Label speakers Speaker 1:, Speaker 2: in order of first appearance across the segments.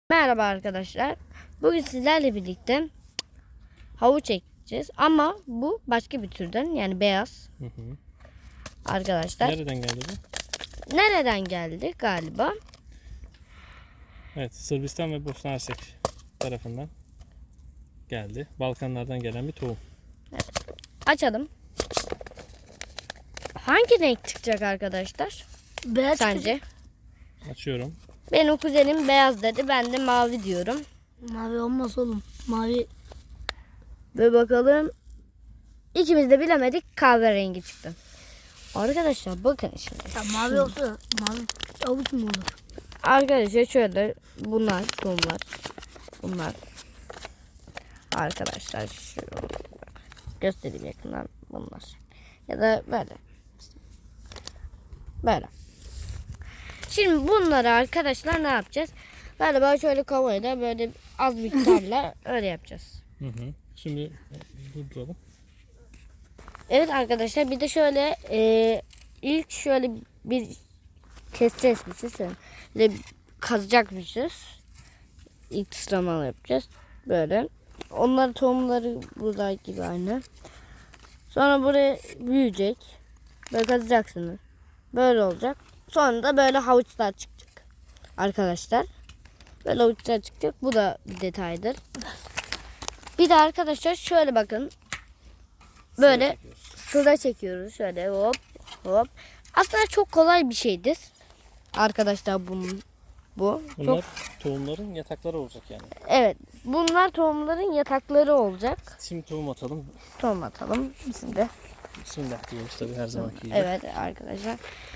Speaker 1: Merhaba arkadaşlar. Bugün sizlerle birlikte havuç ekeceğiz ama bu başka bir türden, yani beyaz. Arkadaşlar.
Speaker 2: Nereden geldi bu?
Speaker 1: Nereden geldi galiba?
Speaker 2: Evet, Sırbistan ve Bosna Hersek tarafından geldi. Balkanlardan gelen bir tohum.
Speaker 1: Evet. Açalım. Hangi renk çıkacak arkadaşlar?
Speaker 3: Beyaz
Speaker 1: Sence?
Speaker 3: çıkacak.
Speaker 2: Açıyorum.
Speaker 1: Benim kuzenim beyaz dedi. Ben de mavi diyorum.
Speaker 3: Mavi olmaz oğlum. Mavi
Speaker 1: Ve bakalım. İkimiz de bilemedik. Kahverengi çıktı. Arkadaşlar bakın şimdi.
Speaker 3: ya mavi olsa mavi avuç mu olur?
Speaker 1: Arkadaşlar şöyle bunlar tohumlar. Bunlar. Arkadaşlar şu göstereyim yakından bunlar. Ya da böyle. Böyle. Şimdi bunları arkadaşlar ne yapacağız? Galiba şöyle kovayla böyle az miktarla öyle yapacağız.
Speaker 2: Şimdi durduralım.
Speaker 1: Evet arkadaşlar, bir de şöyle ilk şöyle bir keseceğiz. Böyle kazacakmışız. İlk sıralama yapacağız. Böyle. Onların tohumları burada gibi aynı. Sonra buraya büyüyecek. Böyle kazacaksınız. Böyle olacak. Sonra da böyle havuçlar çıkacak. Arkadaşlar. Böyle havuçlar çıkacak. Bu da bir detaydır. Bir de arkadaşlar şöyle bakın. Böyle sıra çekiyoruz. Şöyle hop hop. Aslında çok kolay bir şeydir. Arkadaşlar bu.
Speaker 2: Bunlar tohumların yatakları olacak yani.
Speaker 1: Evet. Bunlar tohumların yatakları olacak.
Speaker 2: Şimdi tohum atalım.
Speaker 1: Tohum atalım. Şimdi.
Speaker 2: Bismillah diyoruz tabii her zamanki gibi.
Speaker 1: Evet arkadaşlar.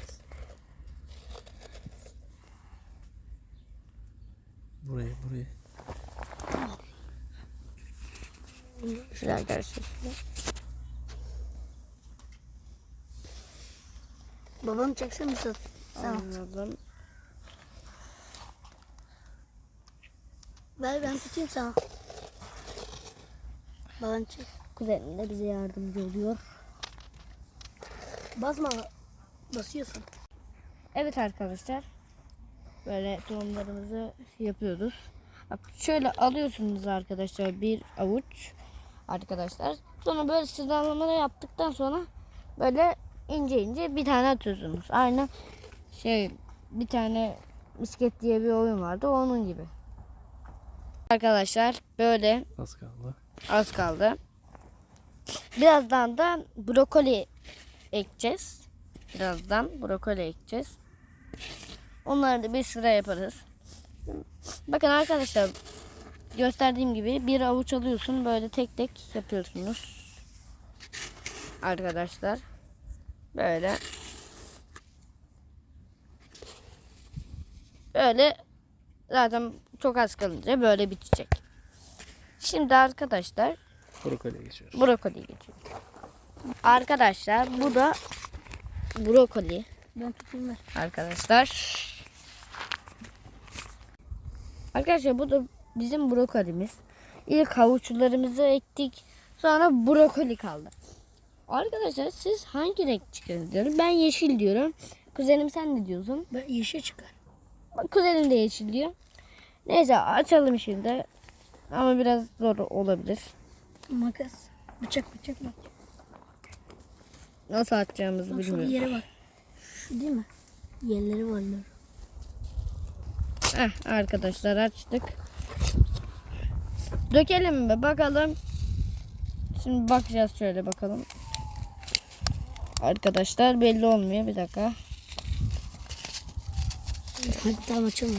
Speaker 2: Buraya.
Speaker 1: Şöyle arkadaşlar.
Speaker 3: Babanı çeksen mi sen?
Speaker 1: Anladım.
Speaker 3: Ver ben tutayım sana. Babanı çek.
Speaker 1: Kuzenim de bize yardımcı oluyor.
Speaker 3: Basma. Basıyorsun.
Speaker 1: Evet arkadaşlar. Böyle tohumlarımızı yapıyoruz. Bak şöyle alıyorsunuz arkadaşlar bir avuç. Arkadaşlar. Sonra böyle sıralamaları yaptıktan sonra böyle ince bir tane atıyorsunuz. Aynı bir tane misket diye bir oyun vardı, onun gibi. Arkadaşlar böyle
Speaker 2: Az kaldı.
Speaker 1: az kaldı. Birazdan da brokoli ekeceğiz. Onları da bir sıra yaparız. Bakın arkadaşlar, gösterdiğim gibi bir avuç alıyorsun, böyle tek tek yapıyorsunuz. Arkadaşlar böyle zaten çok az kalınca böyle bitecek. Şimdi arkadaşlar
Speaker 2: Brokoliye geçiyoruz.
Speaker 1: brokoliye geçiyoruz. Arkadaşlar bu da brokoli.
Speaker 3: Ben tutayım ver.
Speaker 1: Arkadaşlar bu da bizim brokolimiz. İlk havuçlarımızı ektik. Sonra brokoli kaldı. Arkadaşlar siz hangi renk çıkarız diyorum. Ben yeşil diyorum. Kuzenim sen ne diyorsun?
Speaker 3: Ben yeşil çıkar.
Speaker 1: Bak, kuzenim de yeşil diyor. Neyse açalım şimdi. Ama biraz zor olabilir.
Speaker 3: Makas. Bıçak bak.
Speaker 1: Nasıl atacağımızı
Speaker 3: Bak şu
Speaker 1: bilmiyorum.
Speaker 3: yere bak. Şu değil mi? Yerleri var.
Speaker 1: Arkadaşlar açtık. Dökelim mi bakalım. Şimdi bakacağız, şöyle bakalım. Arkadaşlar belli olmuyor, bir dakika.
Speaker 3: Hadi tamam açalım.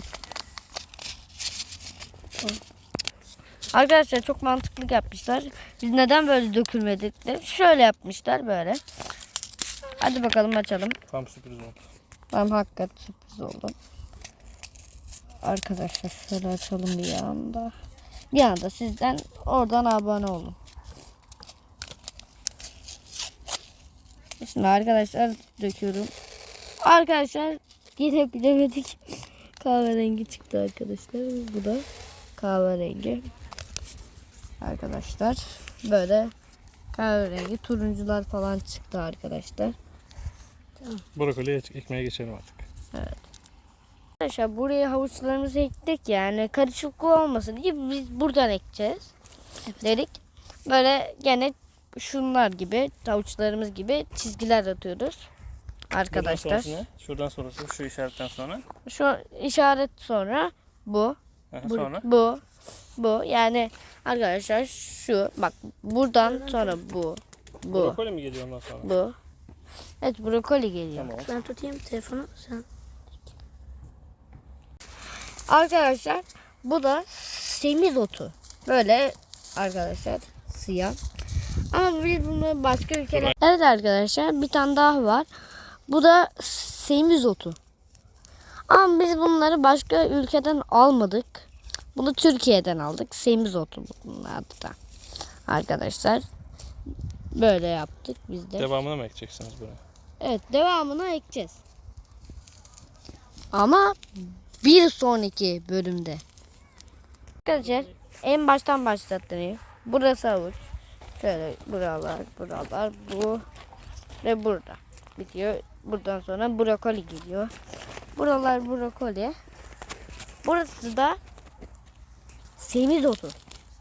Speaker 1: Arkadaşlar çok mantıklı yapmışlar. Biz neden böyle dökülmedik de şöyle yapmışlar böyle. Hadi bakalım açalım.
Speaker 2: Tam sürpriz oldu.
Speaker 1: Tamam, hakikaten sürpriz oldu. Arkadaşlar şöyle açalım bir anda. Bir anda sizden oradan abone olun. Şimdi arkadaşlar döküyorum. Arkadaşlar yine bilemedik. Kahverengi çıktı arkadaşlar. Bu da kahverengi. Arkadaşlar böyle kahverengi turuncular falan çıktı arkadaşlar.
Speaker 2: Brokoliye ekmeye geçelim artık.
Speaker 1: Evet. Arkadaşlar buraya havuçlarımızı ektik, yani karışıklık olmasın diye biz buradan ekeceğiz dedik. Böyle gene şunlar gibi, havuçlarımız gibi çizgiler atıyoruz arkadaşlar.
Speaker 2: Buradan sonrası ne? Şuradan sonrası şu işaretten sonra.
Speaker 1: Şu işaret sonra bu.
Speaker 2: Aha, sonra.
Speaker 1: Bu yani arkadaşlar şu bak, buradan sonra bu.
Speaker 2: Brokoli mi geliyor ondan sonra?
Speaker 1: Bu. Evet, brokoli geliyor.
Speaker 2: Tamam.
Speaker 3: Ben tutayım telefonu sen.
Speaker 1: Arkadaşlar bu da semizotu. Böyle arkadaşlar, siyah. Ama biz bunu başka ülkeler... Evet arkadaşlar, bir tane daha var. Bu da semizotu. Ama biz bunları başka ülkeden almadık. Bunu Türkiye'den aldık. Semizotu bunun adı da. Arkadaşlar böyle yaptık biz de.
Speaker 2: Devamını mı ekeceksiniz buraya?
Speaker 1: Evet, devamını ekeceğiz. Ama bir sonraki bölümde. Arkadaşlar en baştan başlattırayım. Burası havuç. Şöyle buralar, bu ve burada bitiyor. Buradan sonra brokoli geliyor. Buralar brokoli. Burası da semizotu.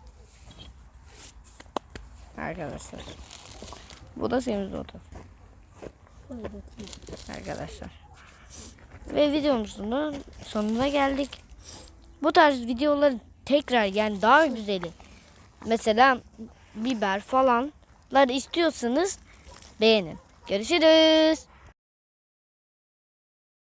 Speaker 1: Arkadaşlar. Bu da semizotu. Arkadaşlar. Ve videomuzun da sonuna geldik. Bu tarz videoları tekrar, yani daha güzeli, mesela biber falanlar istiyorsanız beğenin. Görüşürüz.